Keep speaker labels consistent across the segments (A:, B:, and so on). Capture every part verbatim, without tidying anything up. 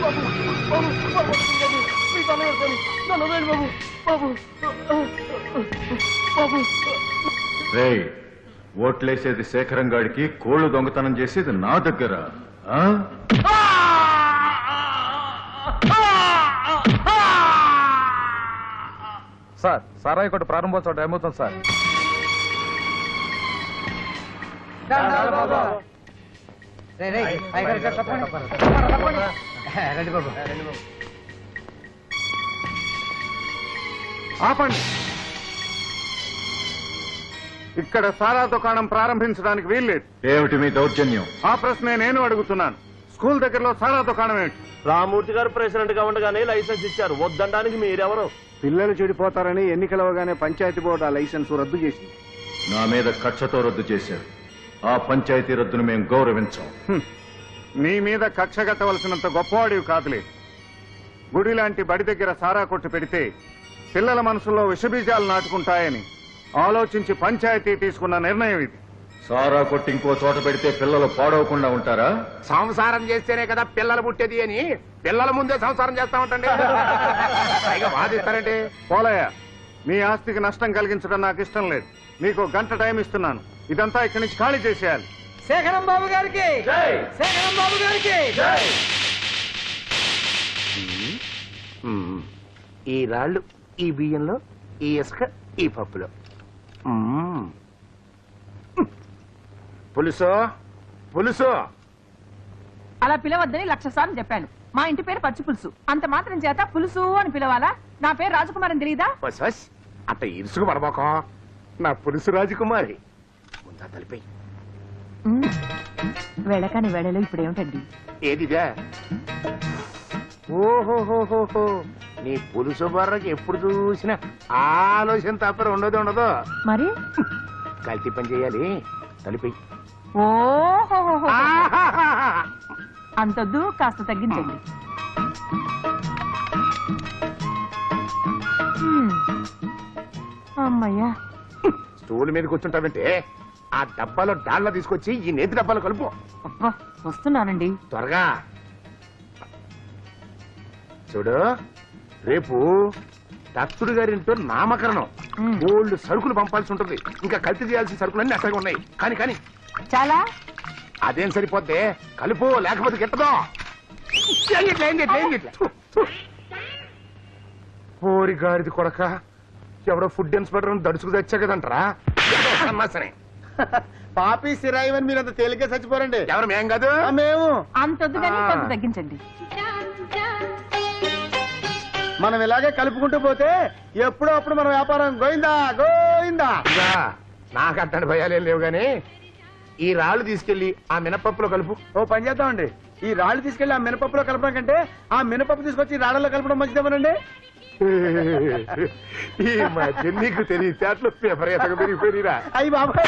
A: రేయ్, ఓట్లేసేది శేఖరం గాడికి, కోళ్లు దొంగతనం చేసేది నా దగ్గర.
B: సార్ సారాయి కొట్టు ప్రారంభోత్సవం టైం అవుతుంది సార్.
C: ఆపండి. ఇక్కడ సారా దుకాణం ప్రారంభించడానికి వీల్లేదు.
A: ఏమిటి మీ దౌర్జన్యం?
C: ఆ ప్రశ్నే నేను అడుగుతున్నాను. స్కూల్ దగ్గరలో సారా దుకాణం ఏమిటి?
D: రామూర్తి గారు ప్రెసిడెంట్ గా ఉండగానే లైసెన్స్ ఇచ్చారు. వద్దడానికి మీరెవరు?
C: పిల్లలు చెడిపోతారని ఎన్నికలవగానే పంచాయతీ బోర్డు ఆ లైసెన్స్ రద్దు చేసింది.
A: నా మీద కక్షతో రద్దు చేశారు. ఆ పంచాయతీ రద్దును మేము గౌరవించాం.
C: నీ మీద కక్ష కట్టవలసినంత గొప్పవాడివి కాదులే. గుడి లాంటి బడి దగ్గర సారా కొట్టు పెడితే పిల్లల మనసులో విషబీజాలు నాటుకుంటాయని ఆలోచించి పంచాయతీ తీసుకున్న నిర్ణయం ఇది.
A: సారా కొట్టి ఇంకో చోట పెడితే పిల్లలు పాడవకుండా ఉంటారా?
E: సంసారం చేస్తేనే కదా పిల్లలు పుట్టేది అని పిల్లల ముందే సంసారం చేస్తా ఉంటాండి. పైగా వాదిస్తారంటే
C: పోలయ్య, నీ ఆస్తికి నష్టం కలిగించడం నాకు ఇష్టం లేదు. నీకు గంట టైం ఇస్తున్నాను. ఇదంతా ఇక్కడి నుంచి ఖాళీ చేసేయాలి.
F: శేఖరం బాబు గారికి, శేఖరం బాబు గారికి.
E: ఈ రాళ్ళు ఈ బియ్యంలో, ఈ ఇసుక ఈ పప్పులో. పులుసు పులుసు
G: అలా పిలవద్దని లక్ష సార్లు చెప్పాను. మా ఇంటి పేరు పచ్చి పులుసు. అంత మాత్రం చేత పులుసు అని పిలవాలా? నా పేరు రాజకుమారి అని తెలీదా?
E: అట్ట ఇరుసుకు పడబోకం. నా పులుసు రాజకుమారి. ముందా తలిపి
G: వెళ్ళకాని వేళలో ఇప్పుడు ఏమిటండి?
E: ఏదిదే? ఓహోహోహో, నీ పులుసు బర్రకి ఎప్పుడు చూసినా ఆలోచన తప్ప ఉండదు ఉండదు.
G: మరి
E: కల్తీ పని చేయాలి. తలిపి
G: ఓహో, అంతొద్దు, కాస్త తగ్గించండి. అమ్మయ్యా.
E: స్టూల్ మీద కూర్చుంటావంటే ఆ డబ్బాలో డాళ్ళ తీసుకొచ్చి ఈ నేతి డబ్బాలో కలుపు.
G: అబ్బా, వస్తున్నానండి.
E: త్వరగా చూడు. రేపు దత్తుడు గారింటో నామకరణం. ఓల్డ్ సరుకులు పంపాల్సి ఉంటుంది. ఇంకా కల్తీ చేయాల్సిన సరుకులన్నీ అట్లాగే ఉన్నాయి. కానీ కానీ
G: చాలా
E: అదేం సరిపోద్దే. కలుపు, లేకపోతే గిట్టదు. పోరి గారిది కొడక, ఎవడో ఫుడ్ ఇన్స్పెక్టర్ దడుచుకు తెచ్చా కదంటారా? సరే,
F: పాపి సిరాయివని మీరు అంత తేలిగ్గా చచ్చిపోరండి.
E: ఎవరు? మేం కాదు,
F: మేము.
G: అంతొద్దు కానీ కొంత తగ్గించండి.
F: మనం ఇలాగే కలుపుకుంటూ పోతే ఎప్పుడో అప్పుడు మన వ్యాపారం గోయిందా గోయిందా.
E: నాకు అట్టని భయాలేం లేవు గాని ఈ రాళ్లు తీసుకెళ్లి ఆ మినపప్పులో కలుపు.
F: ఓ పని చేద్దామండి, ఈ రాళ్ళు తీసుకెళ్లి ఆ మినపప్పులో కలపడం కంటే ఆ మినపప్పు తీసుకొచ్చి రాళ్లలో కలపడం మంచిదేమోనండి.
E: ఈ మధ్య నీకు తెలియదు విపరీతంగా పెరిగిపోయిరా.
F: అయ్యి బాబాయ్,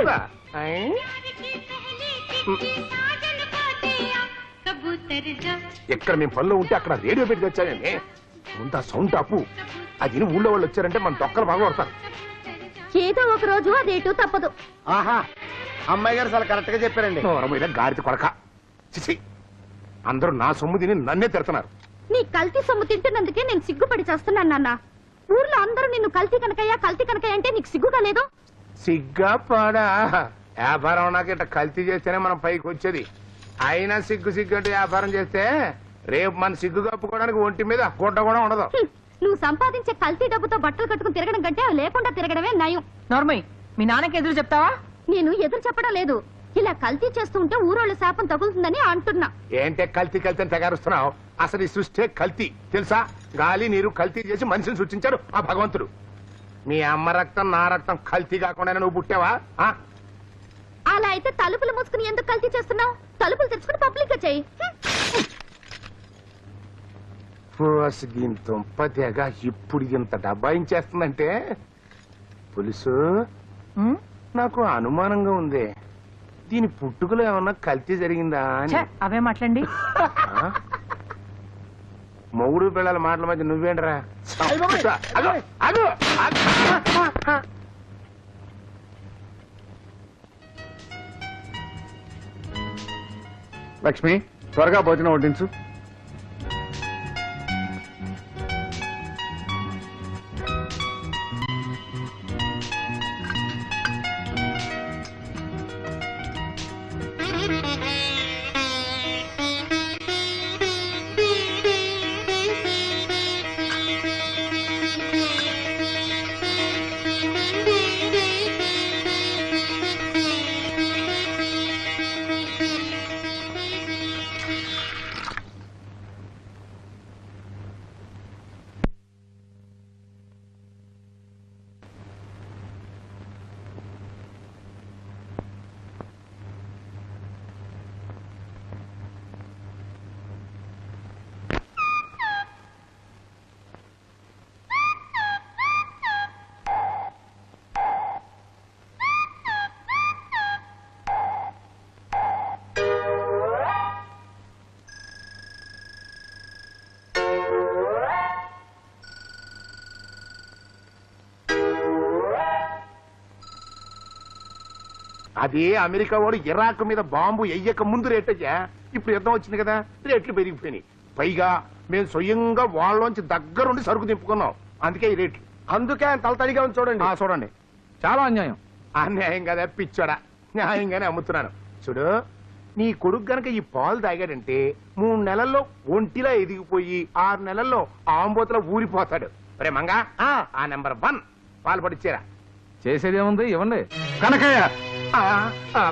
E: ఎక్కడ మేము పనిలో ఉంటే అక్కడ రేడియో పెట్టి తెచ్చానండి. ముందు ఆ సౌండ్ అప్పు. అది ఊళ్ళో వాళ్ళు వచ్చారంటే మన దొక్కలు బాగా కొడతారు.
H: ఏదో ఒక రోజు అదేటూ తప్పదు.
F: ఆహా, అమ్మాయి గారు చాలా కరెక్ట్ గా చెప్పారండి.
E: మీద గాడిద కొడక. చిచి, అందరూ నా సొమ్ము తిని నన్నే తిడుతున్నారు.
H: నీ కల్తీ సొమ్ము తింటున్నందుకే నేను సిగ్గుపడి చేస్తున్నాను నాన్న. ఊర్లో అందరూ నిన్ను కల్తీ కనకయ్యా కల్తీ కనకయ్య అంటే నీకు సిగ్గుగా లేదు?
E: సిగ్గా పాడా? వ్యాపారం నాకు ఇట్లా కల్తీ చేస్తేనే మనం పైకి వచ్చేది. అయినా సిగ్గు సిగ్గు అంటే వ్యాపారం చేస్తే రేపు మన సిగ్గు కప్పుకోవడానికి ఒంటి మీద గుడ్డ కూడా ఉండదు.
H: నువ్వు సంపాదించే కల్తీ డబ్బుతో బట్టలు కట్టుకుని తిరగడం కంటే లేకుండా తిరగడమే నయం.
G: నార్మల్, మీ నాన్నకి ఎదురు చెప్తావా?
H: నేను ఎదురు చెప్పడం లేదు. ఇలా కల్తీ చేస్తూ ఉంటే ఊరోళ్ళ శాపం తగులుతుందని అంటున్నా.
E: ఏంటే కల్తీ కల్తీ అని తెగారుస్తున్నావు? అసలు ఈ సృష్టి కల్తీ తెలుసా? గాలి నీరు కల్తీ చేసి మనిషిని సృష్టించారు ఆ భగవంతుడు. మీ అమ్మ రక్తం నా రక్తం కల్తీ కాకుండా నువ్వు పుట్టావా?
H: అలా అయితే తలుపులు మూసుకుని ఎందుకు కల్తీ చేస్తున్నావు? తలుపులు తెచ్చుకుని పబ్లిక్ గా చెయ్యి.
E: తెగ ఇప్పుడు ఇంత డబ్బాయించేస్తుందంటే పులుసు నాకు అనుమానంగా ఉంది. దీని పుట్టుకలో ఏమన్నా కల్తీ జరిగిందా అని.
G: అవే మాట్లాడండి.
E: మొగుడు పిల్లల మాటల మధ్య నువ్వేంట్రా?
C: లక్ష్మి, త్వరగా భోజనం వడ్డించు.
E: అదే అమెరికా వాడు ఇరాక్ మీద బాంబు ఎయ్యక ముందు రేటయ్యా. ఇప్పుడు యుద్ధం వచ్చింది కదా, రేట్లు పెరిగిపోయినాయి. పైగా మేము స్వయంగా వాళ్ళలోంచి దగ్గరుండి సరుకు దింపుకున్నాం. అందుకే ఈ రేట్లు.
F: అందుకే ఆయన తలతడిగా ఉంది చూడండి.
E: ఆ, చూడండి.
B: చాలా అన్యాయం.
E: అన్యాయం కదా పిచ్చోడా, న్యాయంగానే అమ్ముతున్నాను. చూడు, నీ కొడుకు గనక ఈ పాలు తాగాడంటే మూడు నెలల్లో ఒంటిలా ఎదిగిపోయి ఆరు నెలల్లో ఆంబోతులో ఊరిపోతాడు. రే మంగా, ఆ నెంబర్ వన్ పాలు పడిచ్చారా.
B: చేసేదేముంది, ఇవ్వండి.
C: కనకయ్య,
E: ఆ, ఆ,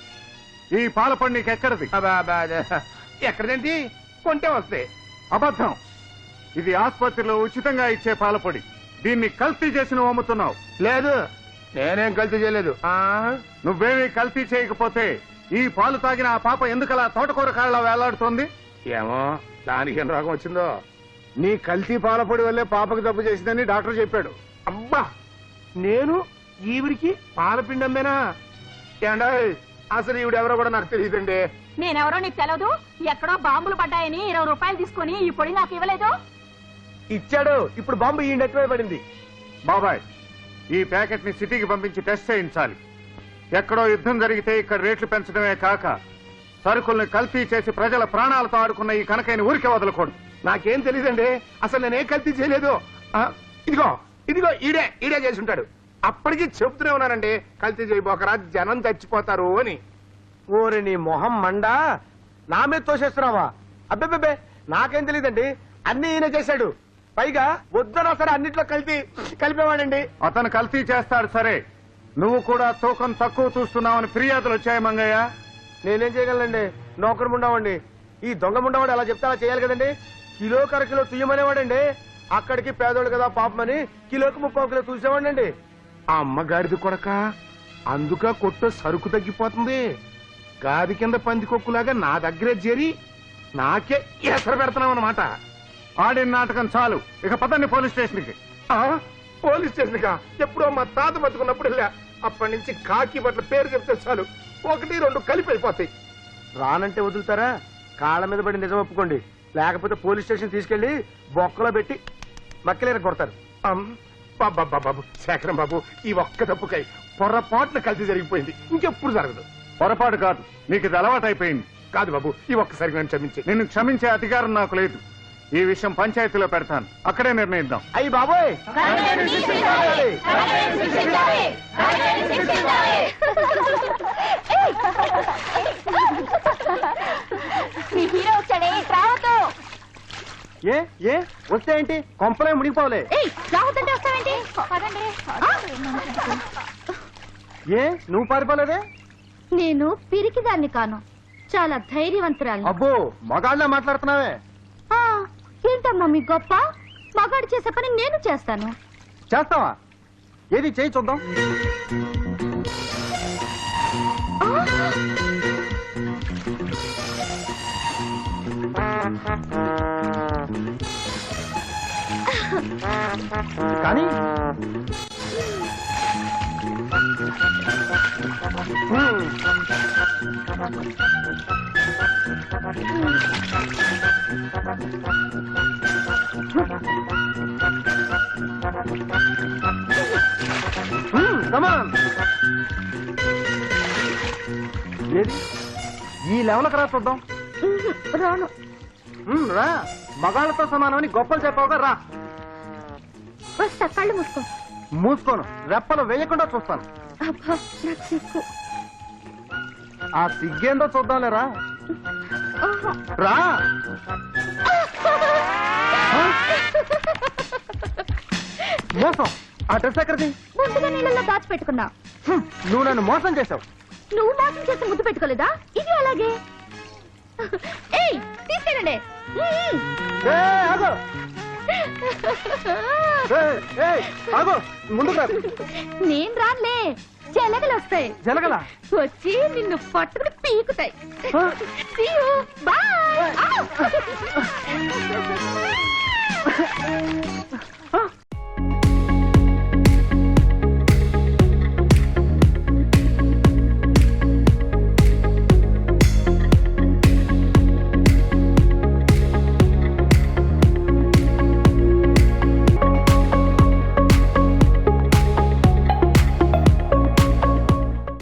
C: ఈ పాలపడి నీకెక్కడది?
E: అబ్బా, అబ్బా, ఎక్కడదేంటి, కొంటే వస్తాయి.
C: అబద్ధం. ఇది ఆసుపత్రిలో ఉచితంగా ఇచ్చే పాలపొడి. దీన్ని కల్తీ చేసి నువ్వు అమ్ముతున్నావు.
E: లేదు, నేనేం కల్తీ చేయలేదు. ఆ,
C: నువ్వేమీ కల్తీ చేయకపోతే ఈ పాలు తాగిన ఆ పాప ఎందుకలా తోటకూర కాళ్ళ వేలాడుతోంది?
E: ఏమో దానికి ఏం రోగం వచ్చిందో.
C: నీ కల్తీ పాలపొడి వల్లే పాపకు జబ్బు చేసిందని డాక్టర్ చెప్పాడు.
E: అబ్బా, నేను ఈవిడికి పాలపిండి అమ్మేనా? ఏండా అసలు ఈవిడెవరో కూడా నాకు తెలియదండి.
G: నేనెవరో నీకు తెలవదు. ఎక్కడో బాంబులు పడ్డాయని ఇరవై రూపాయలు తీసుకుని ఈ పొడి నాకు ఇవ్వలేదు.
F: ఇచ్చాడు. ఇప్పుడు బాంబు ఈ నెట్టివే పడింది.
C: బాబాయ్, ఈ ప్యాకెట్ ని సిటీకి పంపించి టెస్ట్ చేయించాలి. ఎక్కడో యుద్ధం జరిగితే ఇక్కడ రేట్లు పెంచడమే కాక సరుకుల్ని కల్తీ చేసి ప్రజల ప్రాణాలతో ఆడుకున్న ఈ కనకైన ఊరికే వదలకూడదు.
E: నాకేం తెలియదండి, అసలు నేనేం కల్తీ చేయలేదు. ఆ, ఇదిగో ఇదిగో ఈడే ఈడే చేసి ఉంటాడు. అప్పటికి చెబుతూనే ఉన్నానండి, కల్తీ చేయబోకరా జనం చచ్చిపోతారు అని.
F: ఓరి నీ మొహం మండా, నా మీద తోసేస్తున్నావా? అబ్బెబ్బెబ్బే, నాకేం తెలియదండి. అన్ని ఈయన చేశాడు. పైగా వద్దనా సరే అన్నిట్లో కలిపి కలిపేవాడండి.
C: అతను కల్తీ చేస్తాడు సరే, నువ్వు కూడా తూకం తక్కువ చూస్తున్నావని ఫిర్యాదులు వచ్చాయి మంగయ్య.
F: నేనేం చేయగలనండి, నౌకరు ముండావండి. ఈ దొంగ ముండావాడు అలా చెప్తే అలా చేయాలి కదండి. కిలో కర కిలో తుయ్యమనేవాడండి. అక్కడికి పేదోడు కదా పాపమని కిలోకి ముప్పై కిలో చూసేవాడండి.
E: ఆ అమ్మగారిది కొడక, అందుక కొట్టు సరుకు తగ్గిపోతుంది. గాది కింద పందికొక్కులాగా నా దగ్గరే చేరి నాకే ఎసరు పెడతాం అన్నమాట.
C: ఆడిన నాటకం చాలు, ఇక పదండి పోలీస్ స్టేషన్ కి.
E: ఆ, పోలీస్ స్టేషన్ గా ఎప్పుడో మా తాత బతుకున్నప్పుడు వెళ్ళా. అప్పటి నుంచి కాకి బట్ల పేరు చెప్తే చాలు ఒకటి రెండు కలిపి అయిపోతాయి.
F: రానంటే వదులుతారా? కాళ్ళ మీద పడి నిజం ఒప్పుకోండి, లేకపోతే పోలీస్ స్టేషన్ తీసుకెళ్లి బొక్కలో పెట్టి మక్కలేర కొడతారు.
E: అమ్, బాబా బాబు శేఖరం బాబు, ఈ ఒక్క తప్పుకై పొరపాటున కలిసి జరిగిపోయింది. ఇంకెప్పుడు జరగదు.
C: పొరపాటు కాదు, నీకు ఇది అలవాటైపోయింది.
E: కాదు బాబు, ఈ ఒక్కసారి నన్ను క్షమించి.
C: నిన్ను క్షమించే అధికారం నాకు లేదు. ఈ విషయం పంచాయతీలో పెడతాను, అక్కడే నిర్ణయిద్దాం.
F: అయ్యి బాబోయ్,
H: మీ హీరో వచ్చాడే, రావద్దు.
F: ఏ ఏ వస్తే ఏంటి, కొంపలే మునిగిపోలే.
H: ఏయ్, రావద్దంటే వస్తావేంటి? పదండి.
F: ఏ నువ్వు పారిపోలేదే?
H: నేను పిరికిదాన్ని కాను, చాలా ధైర్యవంతురాలు.
F: అబ్బో, మగాళ్ళ మాట్లాడుతున్నావే.
H: ఏంటమ్మా మీ గొప్ప? మగాడు చేసే పని నేను చేస్తాను.
F: చేస్తావా? ఏది చేయి చూద్దాం. కానీ ఏది ఈ లెవెల్కి రా చూద్దాం.
H: రాను.
F: ఉమ్, రా, మగాళ్ళతో సమానమని గొప్పలు చెప్పావుగా, రా.
H: వస్తా, కళ్ళు మూసుకో.
F: మూసుకోను, రెప్పలు వేయకుండా చూస్తాను.
H: అబ్బా, నాకు సిగ్గు.
F: ఆ సిగ్గేందో చూద్దాంలేరా, రా. మోసం. ఆ డ్రెస్ ఎక్కడిది?
H: ముందుగా నీళ్ళలో దాచిపెట్టుకున్నా.
F: హ్మ్, నువ్వు నన్ను మోసం చేసావు.
H: నువ్వు మోసం చేసి ముద్దు పెట్టుకోలేదా? ఇది అలాగే. ఏయ్, తీసుకెళ్ళండి.
F: ఏ, ఆగు. ఏ, ఏ, ఆగు, ముందుకు రా.
H: నేను రానులే, జలగలు వస్తాయి.
F: జలగల
H: వచ్చి నిన్ను పట్టుకుని పీకుతాయి. See you. Bye.